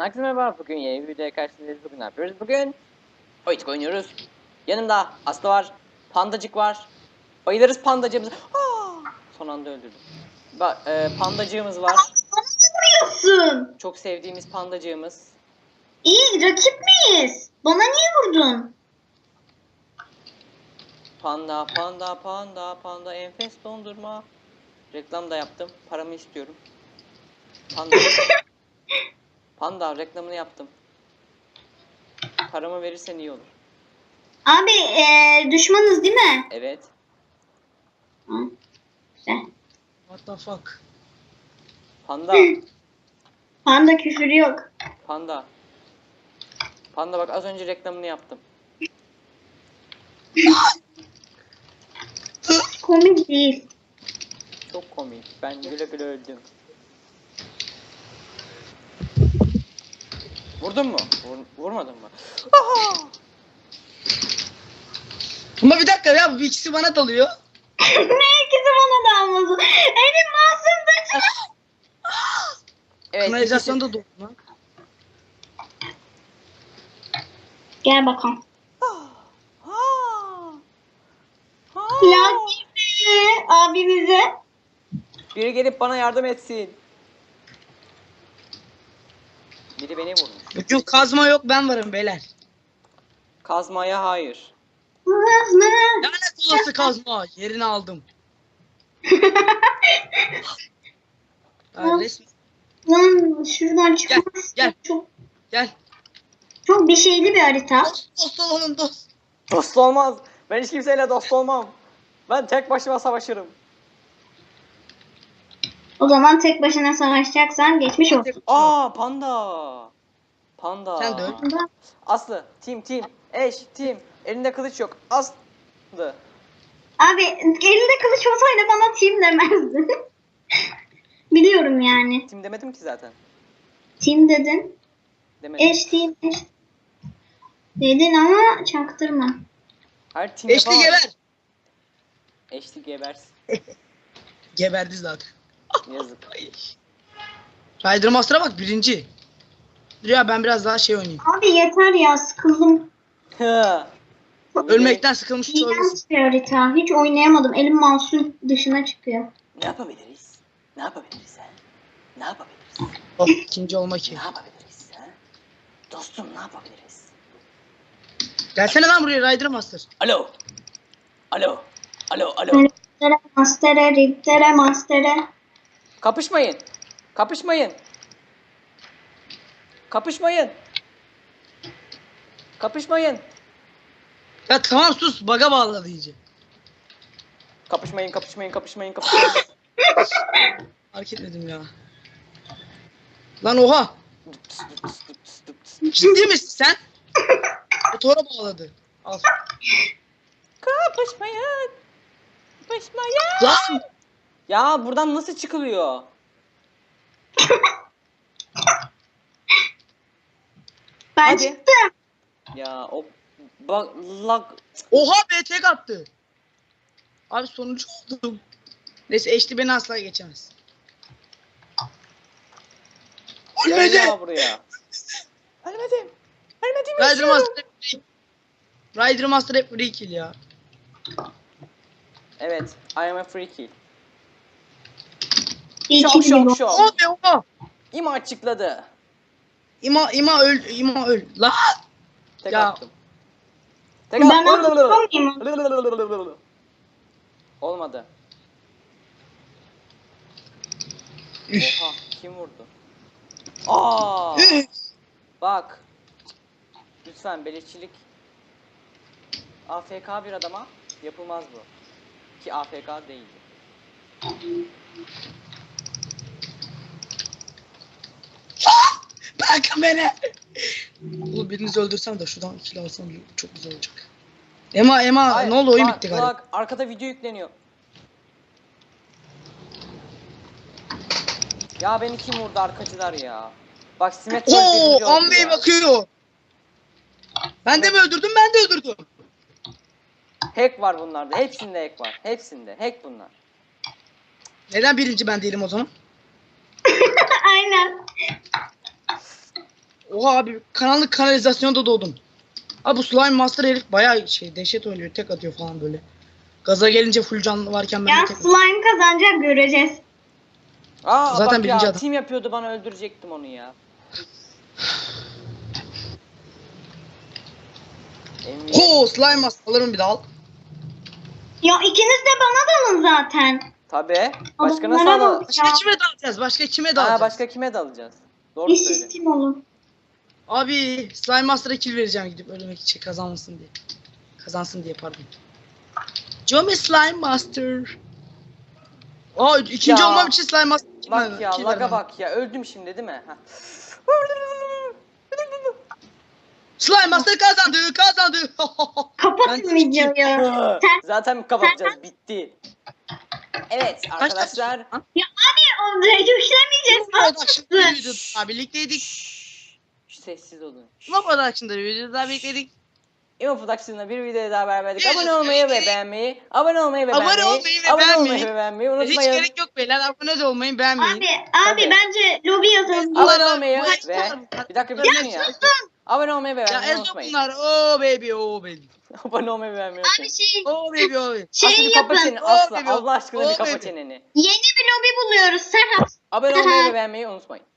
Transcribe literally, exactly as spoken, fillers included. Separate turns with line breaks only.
Herkese merhaba. Bugün yeni bir videoya karşınızdayız. Bugün ne yapıyoruz? Bugün oyuncak oynuyoruz. Yanımda Aslı var. Pandacık var. Bayılırız pandacığımız. Aa! Son anda öldürdüm. Bak e, pandacığımız var.
Vuruyorsun.
Çok sevdiğimiz pandacığımız.
İyi, rakip miyiz? Bana niye vurdun?
Panda panda panda panda enfes dondurma. Reklam da yaptım. Paramı istiyorum. Panda. Panda reklamını yaptım. Paramı verirsen iyi olur.
Abi ee, düşmanız değil mi?
Evet.
Hı. Güzel.
What the fuck?
Panda.
Panda küfür yok.
Panda. Panda bak az önce reklamını yaptım.
Komik değil.
Çok komik. Ben güle güle öldüm. Vurdun mu? Vur, vurmadın mı? Aha!
Ama bir dakika ya, bu ikisi bana dalıyor.
Ne ikisi bana da almasın. Elim masumdur.
Evet.
Kanalizasyon
ikisi-
da doldu lan.
Gel bakalım.
Ah! Ah! Ah!
Lakin abimize.
Biri gelip bana yardım etsin. Biri beni vurmuş.
Yok kazma yok, ben varım beyler.
Kazmaya hayır.
Lanet olası kazma, yerini aldım. Ya resmen
Lan şuradan
gel
çıkmaz.
gel
Çok,
gel.
çok bir şeyli bir harita.
Dost, dost olalım dost.
Dost olmaz. Ben hiç kimseyle dost olmam. Ben tek başıma savaşırım.
O zaman tek başına savaşacaksan geçmiş olsun.
Aa panda. Panda.
Sen de öl.
Aslı. Tim tim. Eş tim. Elinde kılıç yok. Aslı.
Abi elinde kılıç olsaydı bana team demezdin. Biliyorum yani.
Tim demedim ki zaten.
Team dedin.
Demedim.
Eş team eş. Dedin ama çaktırma.
Her tim
Eşli
yapamaz.
geber.
Eşli gebersin.
Geberdi zaten.
Yazık.
Rider Master'a bak, birinci. Dur ya, ben biraz daha şey oynayayım.
Abi yeter ya, sıkıldım.
Hı.
Ölmekten sıkılmış olabilirsin.
İğrenç bir harita. Hiç oynayamadım. Elim mouse'un dışına çıkıyor.
Ne yapabiliriz? Ne yapabiliriz ha? Ne yapabiliriz?
Oh, ikinci olma ki.
Ne yapabiliriz ha? Dostum ne yapabiliriz?
Gelsene lan buraya Rider Master.
Alo. Alo. Alo. Alo.
Riptere, mastere, riptere, mastere.
Kapışmayın. Kapışmayın. Kapışmayın. Kapışmayın.
Ya tamam sus, baga bağladı iyice.
Kapışmayın, kapışmayın, kapışmayın, kapışmayın.
Fark etmedim ya. Lan oha. Ciddi misin sen? Motora bağladı. Al.
Kapışmayın. Kapışmayın.
Lan.
Ya buradan nasıl çıkılıyor?
Ben
Hadi.
çıktım.
Ya o bak lag.
Oha, B T attı. Abi sonucu oldum. Neyse, eşli beni asla geçemez.
Gel
Ölmedi.
ya buraya. Ölmedim. Ölmedim.
Rider
yaşıyorum.
Master hep free. Rider Master hep free kill ya.
Evet. I am a free kill.
İyi
Şok
ki
şok
biliyorum.
şok.
Oha be oha.
İma açıkladı.
İma ima öl, ima öl. Lan.
Tek
Ya.
attım. Tek
Ben
attım.
atlamayayım.
Olmadı.
Üf.
Oha kim vurdu? Aa!
Üf.
Bak. Lütfen beleşçilik. A F K bir adama yapılmaz bu. Ki A F K değildi.
Bırakın beni. Oğlum birinizi öldürsem de şuradan kill alsam çok güzel olacak. Ema Ema
Ay,
ne oldu, oyun
bak,
bitti galiba.
Bak arkada video yükleniyor. Ya beni kim vurdu arkacılar ya. Bak Simet Gol birinci
Oo,
oldu
Ambe'ye
ya.
bakıyor. Ben de mi öldürdüm? Ben de öldürdüm.
Hack var bunlarda. Hepsinde hack var. Hepsinde. Hack bunlar.
Neden birinci ben değilim o zaman?
Aynen.
Oha abi karanlık kanalizasyonda doğdum. Abi bu Slime Master herif bayağı şey dehşet oynuyor. Tek atıyor falan böyle. Gaza gelince full canlı varken ben
Ya
de tek atıyorum.
slime kazanacak göreceğiz.
Aa
Zaten
bak
birinci
ya
adam.
team yapıyordu bana öldürecektim onu ya. M V P.
Ho Slime Master alırım bir daha al.
Ya ikiniz de bana dalın zaten.
Tabi. Başka nasıl
Adamlara
alalım?
bak
Başka
ya.
kime dalacağız? Başka kime
Ha
dalacağız?
başka kime dalacağız? Doğru
Bir
söyle.
sistem olun.
Abi Slime Master'a kill vereceğim gidip ölmek için kazanmasın diye. Kazansın diye pardon. Jomi Slime Master. Aa ikinci
Ya.
olmam için Slime Master kill
Bak
ver-
ya
kill
laga
vermem.
bak ya öldüm şimdi değil mi? Ha.
Slime Master kazandı kazandı.
Kapatın
Ben-
videoyu. Sen
Zaten kapatacağız bitti. Evet
Kaç
arkadaşlar.
dakika?
ya abi o yüklemeyeceğiz.
Production'da bir videoda daha birlikteydik.
Şşş, sessiz olun.
Imo Production'da bir videoda daha birlikteydik.
Imo Production'da bir videoya daha beraberdik.
Evet,
Abone olmayı ve
evet.
beğenmeyi, abone olmayı ve
Abone
beğenmeyi,
olmayı ve
abone olmayı
beğenmeyi.
ve beğenmeyi
Hiç
unutmayın.
gerek yok beyler. Abone de olmayın beğenmeyin.
Abi
Tabii.
abi bence lobi yazalım.
Abone
Abone olmayı
Bu
ve
eşyalar bunlar.
bir dakika bir
Ya
durun ya. Abone olmayı ve
Ya
beğenmeyi
Ezo
unutmayın.
bunlar. Oh baby oh baby.
Abone olmayı ve beğenmeyi
Abi
unutmayın.
şey
Oh baby oh baby.
Aslı
şey
bir kapa
yapın.
çeneni
Oh
Aslı.
baby,
Allah aşkına bir
oh
kapa
baby.
çeneni.
Yeni bir lobi buluyoruz Serhat.
Abone olmayı ve beğenmeyi unutmayın.